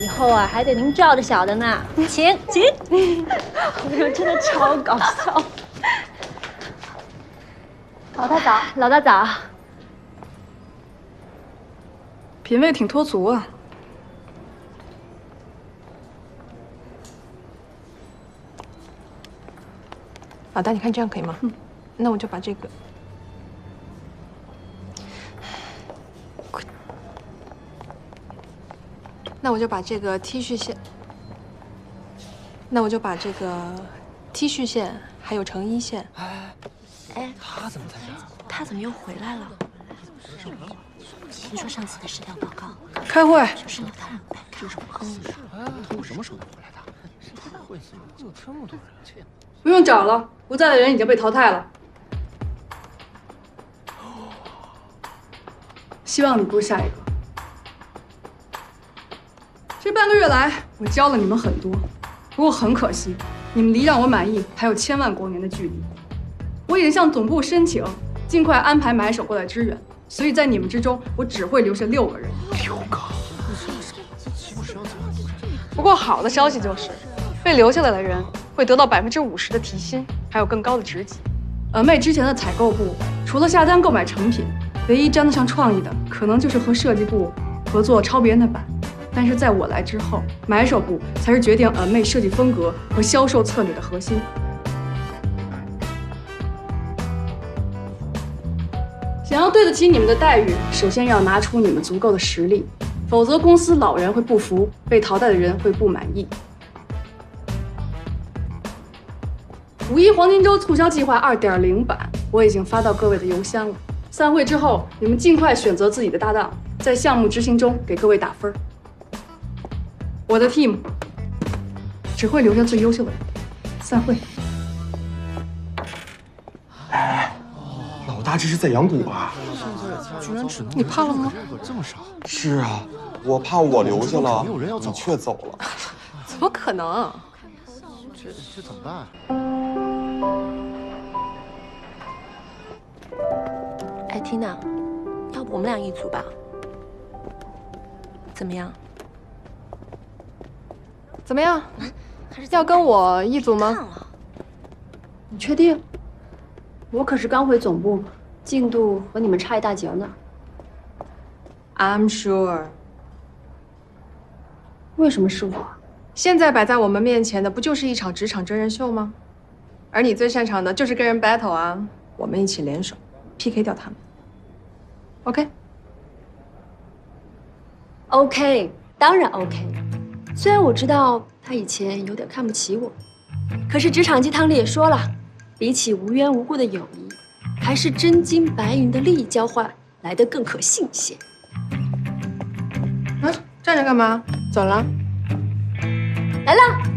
以后啊还得您罩着小的呢，请。我说真的超搞笑。老大早，老大早。 品味挺脱俗啊。 老大，你看这样可以吗？那我就把这个。 那我就把这个 T 恤线，还有成衣线。 哎，他怎么在这儿？他怎么又回来了？听说上次的试调报告， 开会。 就是老大让我干。 他用什么手段回来的？会死有这么多人？ 不用找了，不在的人已经被淘汰了。希望你不是下一个。 这半个月来，我教了你们很多，不过很可惜，你们离让我满意还有千万光年的距离。我已经向总部申请，尽快安排买手过来支援，所以在你们之中，我只会留下6个人。 6个？ 不过好的消息就是，被留下来的人会得到50%的提薪，还有更高的职级。妹之前的采购部除了下单购买成品，唯一沾得上创意的，可能就是和设计部合作抄别人的版。 但是在我来之后，买手部才是决定妹设计风格和销售策略的核心。想要对得起你们的待遇，首先要拿出你们足够的实力，否则公司老人会不服，被淘汰的人会不满意。5·1黄金周促销计划2.0版，我已经发到各位的邮箱了。散会之后，你们尽快选择自己的搭档，在项目执行中给各位打分。 我的 team 只会留下最优秀的人。散会。 哎，老大这是在养蛊吧？ 居然只能你怕了吗？ 这么少？ 是啊，我怕我留下了，你却走了。 怎么可能？ 这怎么办？哎，Tina，要不我们俩一组吧？怎么样？ 怎么样？要跟我一组吗？ 你确定？我可是刚回总部，进度和你们差一大截呢。 I'm sure。 为什么是我？ 现在摆在我们面前的不就是一场职场真人秀吗？而你最擅长的就是跟人 battle 啊！我们一起联手 PK 掉他们。OK？ OK， 当然 OK。虽然我知道他以前有点看不起我，可是职场鸡汤里也说了，比起无缘无故的友谊，还是真金白银的利益交换来得更可信些。 啊，站着干嘛？走了。 来了。